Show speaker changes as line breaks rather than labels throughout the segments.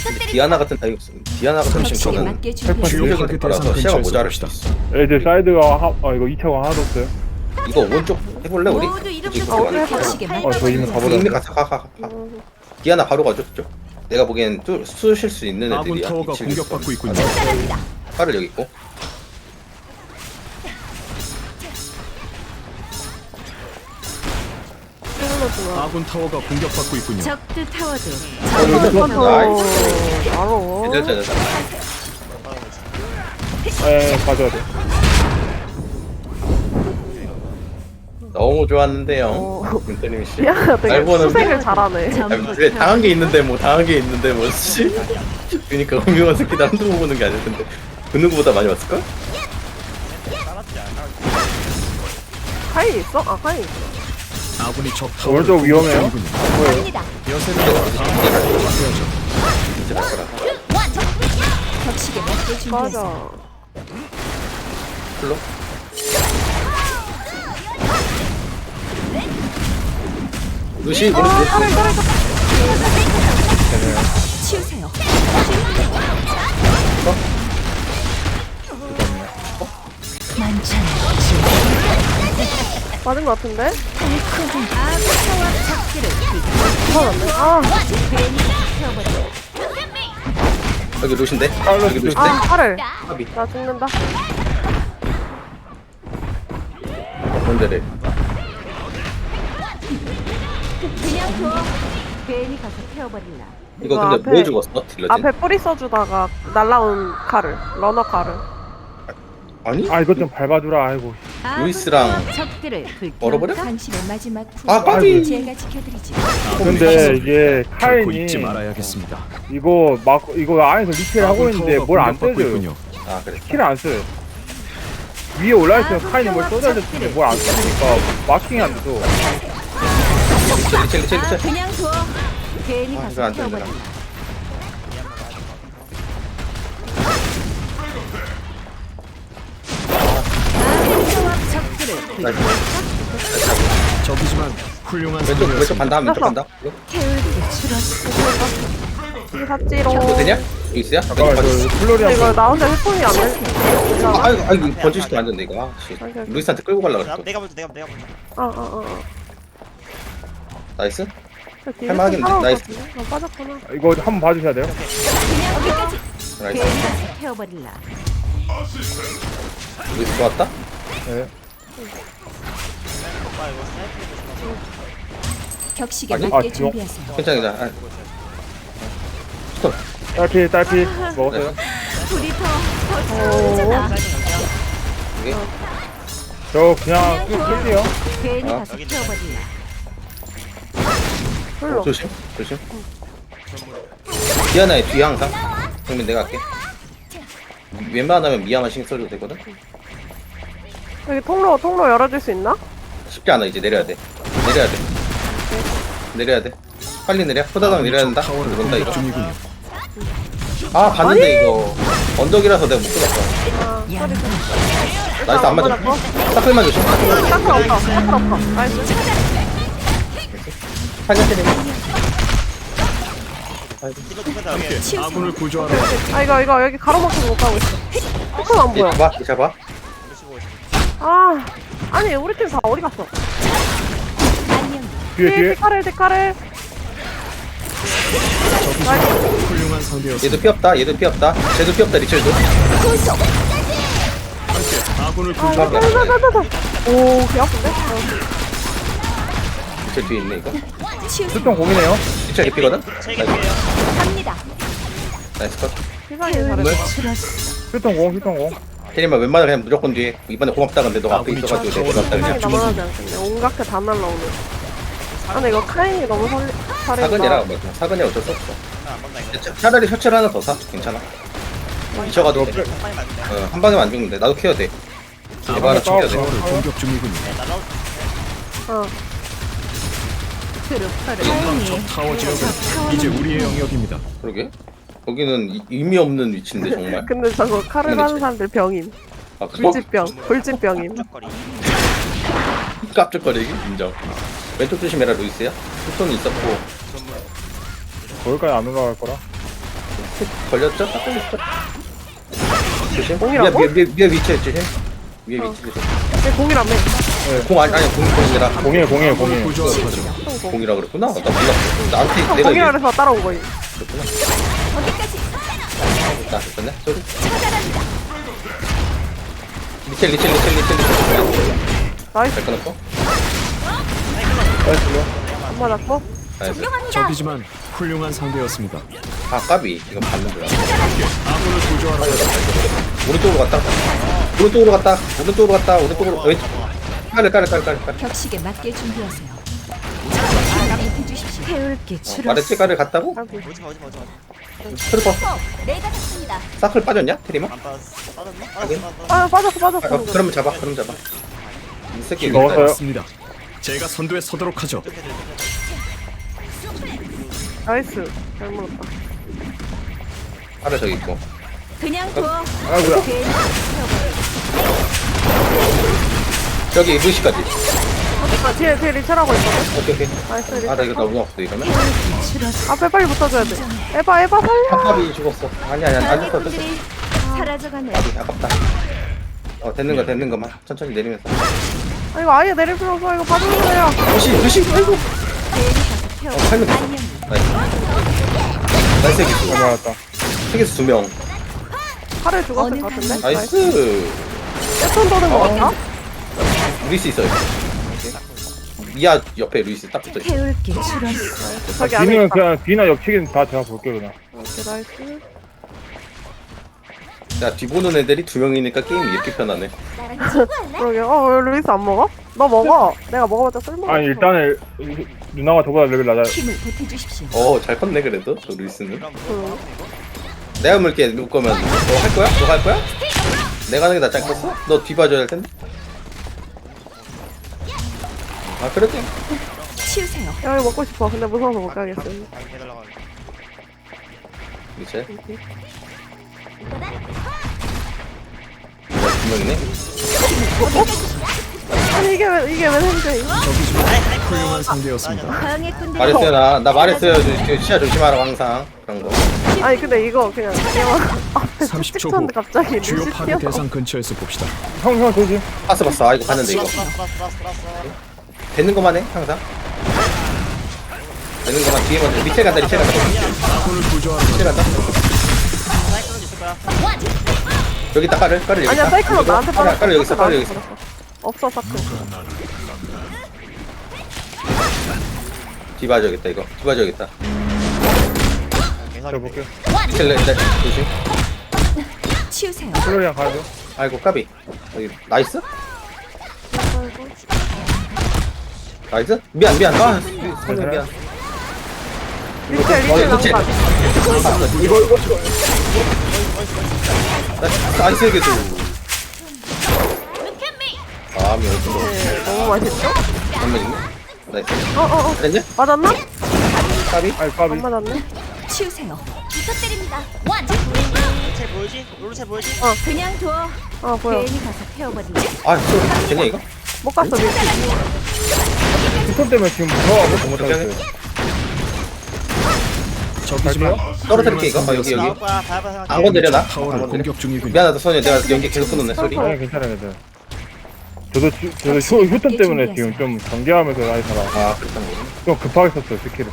디아나 같은 타입 디아나 같은 친구는
맞게
주력이
준비하세요.
되더라서 시야가 모자랄 수도 있어.
애들 사이드가 이거 2차가 하나도 없어요.
이거 오른쪽 해볼래 우리?
모두 이름
굳이
적고
그렇게 많이
격식에
필요
맞게
저 이미
없어. 이미
가버렸네.
가. 디아나 바로 가죠 그쪽. 내가 보기엔 쑤실 수 있는
아군
애들이야.
타워가
이 친구.
공격받고 있군요.
팔을 여기 있고.
아군 타워가 공격받고 있군요.
적들 타워도
나이스.
바로
애들
가져야 돼.
너무 좋았는데요. 윤태림 씨.
야 되게
날 보는데?
수색을 잘하네.
왜 당한 게 있는데 뭐 씨. 그러니까 음흉한 새끼들 한두 번 보는 게 아닐 텐데 그 누구보다 많이 왔을걸?
카이 있어? 아 카이 있어.
아군이 적 타워를
오른쪽 위험해요.
공격 중이군요.
갑니다.
여세는
이제 나가라.
격식에 맞게 준비하세요.
맞아.
풀로. 루시 우리
치우세요. 만찬
맞은 것 같은데?
아군 타워 적들을
맞았네. 아,
여기 루시인데? 여기 루시인데?
아 팔을.
합이
나 죽는다.
뭔데래?
그냥 둬. 괜히 가서 태워버릴라.
이거
이거
근데
앞에-
왜 죽었어? 딜러진?
앞에 뿌리 써주다가 날라온 칼을. 러너 칼을.
아니?
이거 좀 밟아주라. 아이고.
루이스랑
적들을
얼어버려?
당신의 마지막
아, 까비!
제가 지켜드리지.
근데 이게
결코
카인이
잊지 말아야겠습니다.
이거 안에서 리필 하고
아군
있는데
타워가
뭘 안
공격받고
떼줘요.
있군요.
아 그래.
킬을 안 써요. 위에 올라있으면 카인이 뭘 쏟아야 될 텐데 뭘 안 쓰니까 마킹이 안 돼서.
리첼.
그냥 둬. 괜히
이거
가서
안 되는구나.
태워버릴라. 적들을
적이지만 훌륭한
왼쪽
상대였습니다.
간다 왼쪽 간다. 이거
이 삽지로.
이거 되냐? 이거 있어요?
잠깐만 저 플로리안
이거 나 혼자 휴폰이 안 돼.
아이고 번지시키면 안 된다 이거. 아, 씨. 루이스한테 끌고 가려고 그랬어.
내가 먼저 내가 먼저
어어어.
나이스. 할만하겠네. 나이스.
빠졌구나.
이거 한번 봐주셔야 돼요.
여기까지.
나이스.
괜히 가서 태워버릴라.
루이스 좋았다.
네.
오빠 이거 스나이퍼도 좀
격식에
아니?
맞게
아,
준비하세요.
괜찮아. 아. 스톱.
딸피 먹었어요.
둘이 더 좋잖아.
이게
저 그냥 끌게요.
괜히
아.
가서 태워버릴라.
불러.
조심. 디아나의 뒤 항상. 그러면 내가 할게. 웬만하면 미아만 신경 써줘도 되거든.
여기 통로 열어줄 수 있나?
쉽지 않아 이제 내려야 돼. 내려야 돼. 빨리 내려. 호다닥 내려야 된다.
적 타워를
그런다 이거.
공격 중이군요.
아 봤는데 이거 언덕이라서 내가 못 끊었어.
아,
야,
나이스 안 맞아. 사클만 조심.
사클 없어. 나이스.
살려 때리면.
뒤로 두면
함께 아군을 구조하러
아 이거 여기 가로막혀서 못 가고 있어. 사클 안 보여.
잡아.
보시고
아 아니 우리 팀 다 어디 갔어?
안녕.
뒤에
데카를.
훌륭한 상대였습니다.
얘도 피 없다. 쟤도 피 없다. 리첼도.
아군을
아
구조하러
나나나나나. 오, 개 아픈데?
리첼 뒤에 있네 이거.
수통 공이네요.
리첼 개피거든.
세개 피해요.
갑니다.
나이스 컷.
세상에 잘했어.
수통 공.
테리만 웬만하면 그냥 무조건 뒤에. 이번에 고맙다 근데 너가 앞에
아군이
있어가지고
저
내가 고맙다
세상에
그냥.
나만하지 않겠네. 온갖 게 다 날라오네. 아 근데 이거 카인이 너무 잘했다.
사근이라 어쩔 수 없어.
안 본다 이거.
차라리 셔츠를 하나 더 사. 괜찮아. 미쳐가도 돼.
빨리 맞는데.
한 방에만 안 죽는데 나도 케어 돼. 에바 하나 챙겨야 돼.
타워를 공격 중이군요.
날아올
어.
트루퍼를
적 타워 지역은 이제 우리의 영역입니다.
그러게. 거기는 의미 없는 위치인데 정말.
근데 저거 칼을 하는 사람들 병임.
아 그거
불집병임.
짝거리.
깜짝거리기 인정. 왼쪽 조심해라 루이스야. 후손이 있었고.
거기까지 안 올라갈 거라.
걸렸죠? 딱 걸렸죠? 조심.
공이라고?
위에 위치에 조심. 위에 위치 조심.
얘 공이라며.
공 아니야 공이라
공이에요.
구조하러 가죠.
공이라 그랬구나. 나 몰랐어. 나한테 내가
공이라
얘기했구나.
그래서 따라온 거임.
어디까지?
나 됐네. 쏘리.
처단합니다.
리첼.
나이스.
잘 끊었고.
안 맞았고.
나이스.
훌륭합니다.
적이지만 훌륭한 상대였습니다.
아 까비. 이거 받는 거야.
아군을 구조하러 가죠.
오른쪽으로 갔다. 오른쪽으로 왼쪽. 깔을.
격식에 맞게 준비하세요. 납입해 주십시오. 태울게 추락.
말했지 깔을 갔다고?
까비.
오지마.
트루퍼.
내가 잡습니다.
사클 빠졌냐? 테리마?
안 빠졌어. 빠졌나?
하긴.
빠졌어.
그러면 잡아. 이 새끼 여기
먹었어요.
있다.
맞습니다. 제가 선두에 서도록 하죠.
나이스. 잘 물었다.
깔을 저기 있고.
그냥 둬.
아이고야.
괜히
저기 루시까지.
아, 뒤에 리첼하고 있거든.
오케이.
나이스
아
리첼.
나 이거 너무 없어 이러면.
앞에 빨리 붙어줘야 돼. 에바 살려.
팝팝이 죽었어. 아니야 안 죽었어.
방해꾼들이 사라져가네.
아깝다. 되는 거만 천천히 내리면서.
아, 이거 아예 내릴 필요 없어. 이거 봐주는 거야.
루시. 아이고.
괜히 가서
살면 돼.
태워. 안녕.
나이스 기수.
맞았다.
세계수 2명.
팔을 죽었을 것 같은데.
나이스.
세턴 도는 거 같아?
루이스 있어요. 미아 옆에 루이스 딱 붙어 있어.
태울게 추락.
저기 안에
뒤는
있다.
그냥 뒤나 옆치기는 다 제가 볼게요 그냥.
오케이, 나이스.
야 뒤보는 애들이 2명이니까 게임이 이렇게 편하네.
나랑 친구할래?
그러게. 왜 루이스 안 먹어? 너 먹어. 내가 먹어봤자 쓸모가
아니
없어.
일단은 누나가 저보다 레벨 낮아요.
힘을 보태주십시오.
잘 컸네 그래도 저 루이스는.
응.
내가 물게 누 거면 너 할 거야? 너 할 거야? 내가 하는 게 낫지 않겠어? 너 뒤봐줘야 할 텐데. 아 그래도
치우세요.
야, 이거 먹고 싶어. 근데 무서워서 못 가겠어.
해달라고 하니까.
이제 2명이네.
아니, 이게 왜 생겨, 이거?
적이지만 훌륭한 상대였습니다.
방해꾼들이
말했어요 나 말했어요. 시야 조심하라고 항상 그런 거.
아니, 근데 이거 그냥 얘만 앞에
30초 후
찍혔는데 갑자기
주요
루시
파괴
튀어서.
대상 근처에서 봅시다.
형 조심.
봤어. 아 이거 봤는데 이거. 되는 거만 해 항상. 되는 거만 뒤에 먼저 리첼 간다.
아군을 구조하러 가죠.
리첼 간다.
사이클론 있을 거야.
여기 있다 깔을 여기
아니야,
있다.
사이클론 나한테 빠졌어.
깔을 여기 있어. 깔을 여기 있어.
없어, 사클.
뒤봐줘야겠다 이거. 뒤봐줘야겠다.
저 볼게요.
리첼 조심.
치우세요.
플로리안 가야죠.
아이고 까비. 여기 나이스? 나이스? 미안. 아 상대 미안.
리첼
이거
나온
리첼.
거 아니야?
이거
나이스 개수. 미 어떤
네, 너무 맛있죠?
한번 있네. 나이스. 됐냐?
맞았나?
까비?
아니 까비.
안 맞았네.
치우세요. 부탁드립니다.
체 보이지? 롤체 보이지?
그냥 둬.
보여.
괜히 가서 태워버리네.
되냐 이거?
못 갔어, 리첼.
휴톤 때문에 지금 무서워하고 못 하겠어요.
적이지만
떨어뜨릴게 이거. 여기
나올 거야. 밟아 생각.
안 건드려 나?
타워를
안 건드려.
공격 중이군요.
미안하다 소녀 내가 연기 계속 끊었네 소리.
아니 괜찮아요. 저도 휴톤 때문에 지금 좀 경계하면서 많이 살아.
아 그랬던 거구나.
좀 급하게 썼어요 스킬을.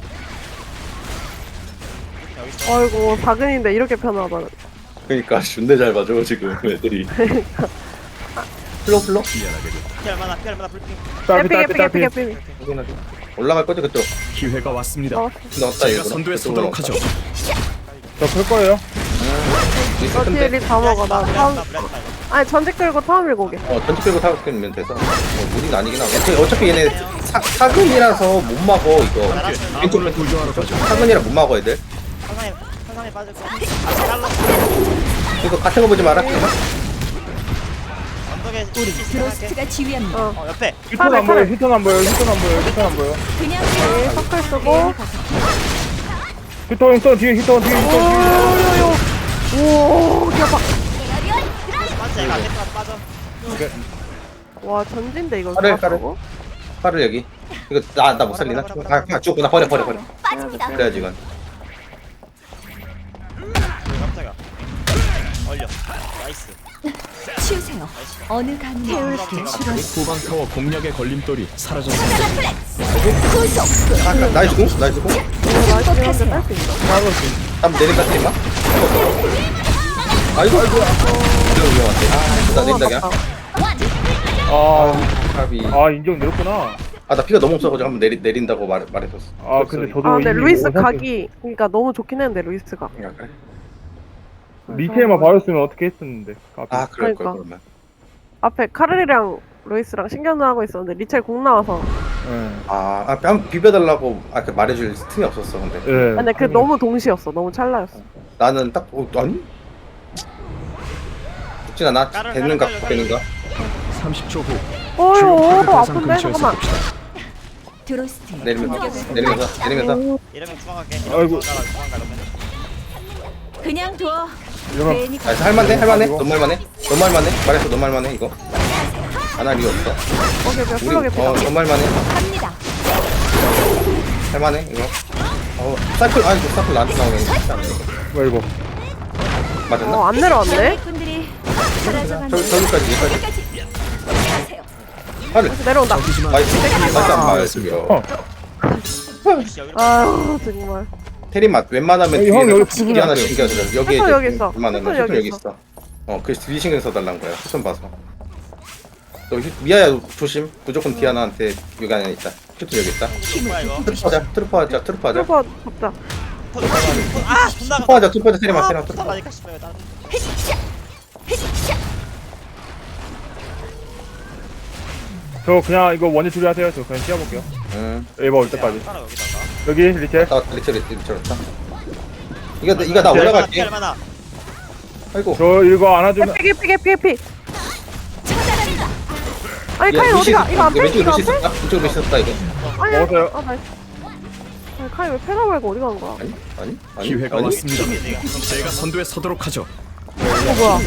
아이고, 작은인데 이렇게 편하다.
그니까 존내 잘 봐줘 지금 애들이. 플로
피 얼마나 불핑.
에픽.
올라갈 거지 그쪽.
기회가 왔습니다.
넣었다
제가
이거.
선두에 서도록 하죠.
저클 거예요.
너 뒤에 립다 먹어. 나 다음.
블랙 타이거.
아니, 전직 끌고 타움 밀고 오게.
전지 끌고 타고 끌면 돼서 무리는 아니긴 하고. 어차피 얘네 사근이라서 못 막어 이거.
아군을 구조하러 가죠.
사근이라 못 막어 애들.
상상에 빠질 거야. 잘라.
이거 같은 거 보지 마라.
언덕에
우리
생각해.
드로스트가 지휘합니다.
옆에.
휴톤 안 보여. 휴톤 안 보여.
그냥
네,
둬.
서클 쓰고.
휴톤 뒤에 휴톤.
오, 대박.
맞지? 얘가 안 됐다. 빠져.
와, 전진데 이걸
까를.
잡았다고?
팔을 여기. 이거 나 못 살리나? 죽었구나. 버려.
빠집니다.
그래야지 이건.
걸려. 나이스.
치우세요. 어느 강물
후방 타워 공략의 걸림돌이 사라졌습니다.
구속.
나이스 공? 나이스 공?
극복하세요.
하고 있어.
한번 내린다 테리마? 아이고 이거 위험한데 나 내린다 그냥 갑이
인정 내렸구나.
나 피가 너무 없어가지고 한번 내린다고 말했었어.
근데 저도
아 근데
이미
루이스
원샷-
각이 그러니까 너무 좋긴 했는데 루이스가.
그래?
리테일만 봐줬으면 어떻게 했었는데.
아 그럴 걸
그러니까.
그러면.
앞에 카르리랑 루이스랑 신경전 하고 있었는데 리첼 공 나와서.
뺨 비벼달라고 그 말해줄 틈이 없었어 근데.
예.
근데 그 너무 동시였어. 너무 찰나였어.
나는 딱 아니? 죽진 않아. 되는가 되는가?
30초 후
어휴
주요 파괴 대상
아픈데
근처에서
잠깐만.
봅시다.
드로스트.
내리면서
이러면 중앙갈게.
아이고.
중앙가 이러면.
그냥 둬.
이러면
괜히
나이스 할만해 너무 할만해 말했어 너무 할만해 이거 안 할 이유 없어
오케이
우리
플러게 피다.
너무 할만해
갑니다.
할만해 이거 사클 이거 사클 나한테 나오네
뭐야 이거.
맞았나?
안 내려왔네.
분들이 사라져가는
저기까지 여기까지
가세요.
하늘
내려온다.
저기지만
나이스 안 맞았으며
아유 정말.
테리 맛 웬만하면
형, 여기
뒤에는
부분이
하나
안 돼요.
신경 쓰려 여기에
패턴 여기 있어.
웬만하면
패턴
패턴
여기
여기 있어 그래서 뒤 신경 써달라는 거야 패턴 봐서 너 미아야 조심 무조건 디아나한테 여기 안에 있다 패턴 여기 있다
뭐야 이거?
트루퍼 하자
트루퍼 잡자.
트루퍼 하자 테리 맛 테리 맛
다 맞을까 싶어요. 나는.
저 그냥 이거 원이 둘이 하세요. 저 그냥 뛰어볼게요.
응
에이버 올 때까지.
따라 여기다가.
여기 리첼.
리첼 왔다 이거 나 올라갈게
얼마나?
아이고
저 이거 안아주면
개피. 아니
야,
카인
루시
어디가? 이거 안 빼?
왼쪽에
이거 안
루시
빼?
있었다 왼쪽에 루시 있었다 이거
아니,
먹었어요.
나이스. 아니 카인 왜 패가 말고 어디 간 거야?
아니
기회가
아니
왔습니다. 제가 선두에 서도록 하죠.
이거 뭐야?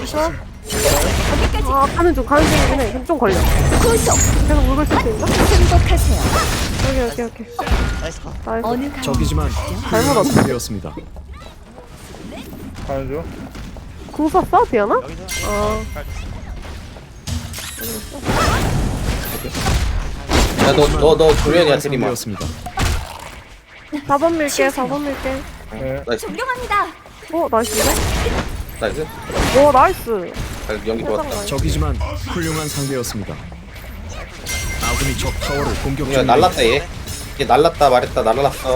가는 중이긴 해. 그럼 좀 걸려.
구속.
계속 물고 있을 수 있나?
행복하세요.
오케이.
나이스 컷.
나이스.
어느 강물
저기지만
잘못
훌륭한 상대였습니다.
가는 중.
궁 썼어? 디아나?
여기서.
야너 조련이야
훌륭한
테리마
상대였습니다.
4번 밀게.
네.
나이스
존경합니다.
나이스인데?
나이스
오 나이스.
잘 연기 좋았다
저기지만 훌륭한 상대였습니다. 아군이 적 타워를 공격
야
중입니다.
날랐다 얘 날랐다 말했다 날랐어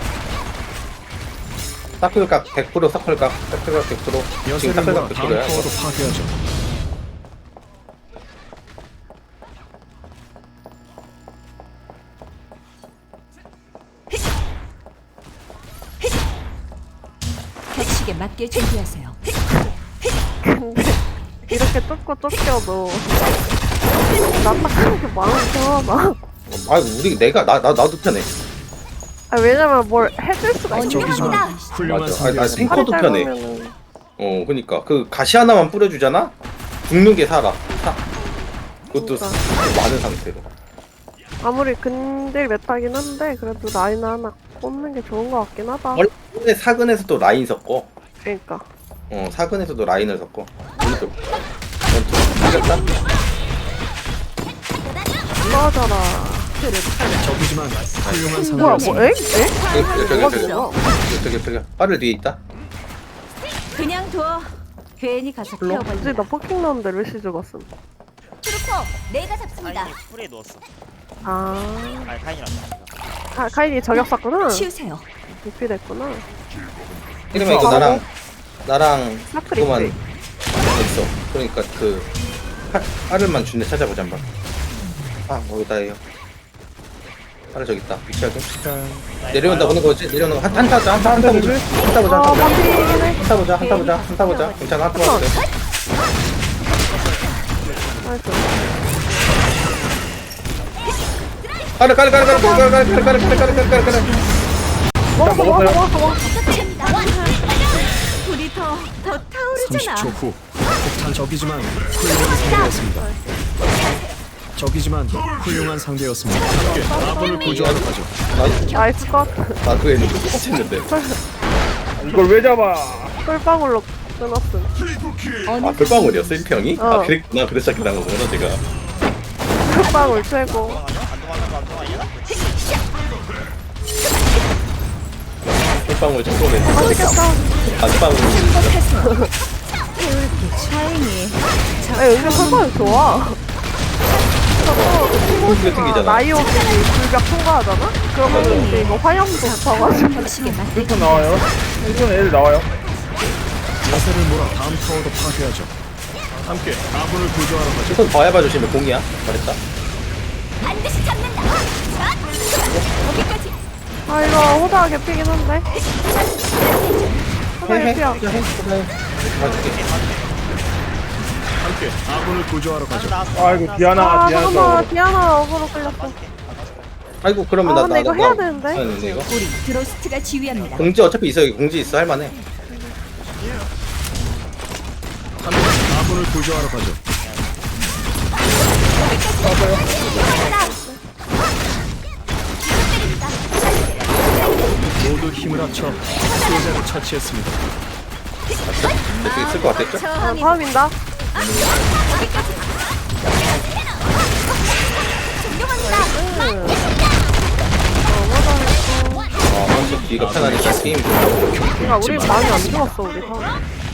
사클각 100% 사클각 100% 지금
여세를 모아
사클각
다음
100%야
타워도 파괴하죠.
격식에 맞게 준비하세요.
근데 이렇게 쫓고 쫓겨도 나딱하는 게 마음이 편하다.
우리 나도 편해
왜냐면 뭘 해줄 수가 있어.
저기지만
존경합니다.
훌륭한
맞아.
상대였습니다.
탱커도 편해. 그니까 그 가시 하나만 뿌려주잖아 죽는 게 살아 그것도 많은 상태로
아무리 근딜 메타긴 한데 그래도 라인 하나 꽂는 게 좋은 것 같긴 하다.
원래 사근에서도 라인 섞어
그러니까.
사근에서도 라인을 섞어 오른쪽 이겼다
맞아라.
저기지만 훌륭한
뭐야
상대였습니다.
저기 빠를 뒤에 있다
그냥 둬. 괜히 가서
뭐지?
태워버려.
나 포킹 넣었는데 루시 죽었음.
트루퍼 내가 잡습니다.
카인이 풀에 누웠어.
아,
카인이란다.
카인이 저격 쐈구나.
치우세요.
리피 됐구나.
이러면 이거 나랑
사크리
그거만
프리.
있어 그러니까 그 하늘만 준대 찾아보자 한번 거기다 해요 하늘 저기 있다 위치하게 내려온다 보는 거지 내려오는 거 한타 보자 한타 보자
반피긴 해.
한타 보자 괜찮아 한타 봐도 돼
나이스.
가르
먹었어.
불이 더 타오르잖아.
30초 후 폭탄 적이지만 훌륭한 상대였습니다. 적이지만 훌륭한 상대였습니다. 함께 아군을 구조하러 가죠.
나이스 컷.
나도 했는데 똑같이 했는데
이걸 왜 잡아?
꿀방울로 끊었음.
아 불방울이었어 1평이?
어.
아 그랬구나. 그래서 시작한 거구나 제가.
흑방울 최고.
안 도망가.
불방울 청소는
맛있겠다.
안방울.
샤이니.
아, 은근 흑방울 좋아. 저거
튕기잖아.
티모시가 나이오비 불벽 통과하잖아? 그러면 이제 이거 화염도 붙어가지고.
격식에 맞게
1톤 나와요. 1톤 애들 나와요.
야세를 몰아 다음 타워도 파괴하죠. 함께 아군을 구조하러 가죠.
조금 더 해봐 주시면 공이야. 잘했다.
반드시 잡는다. 자, 여기까지.
아, 이거 호다가 개피긴 한데. 호다 개피야.
봐줄게.
함께 아군을 구조하러 가죠.
아이고 디아나
아,
디아나
잠깐만.
또
디아나 어그로 끌렸어.
아이고 그러면
아,
나
근데 이거 해야 되는데.
되는데 이거.
우리 드로스트가 지휘합니다.
공지 어차피 있어. 여기 공지 있어 할만해.
함께 아군을 구조하러 가죠. 모두 힘을 합쳐 수호자를 처치했습니다.
이렇게 있을 것 같았죠?
아,
처음이다.
다음인다.
아, 완전 뒤가 편하니까 게임.
그러니까 우리 많이 안 죽었어, 우리 다.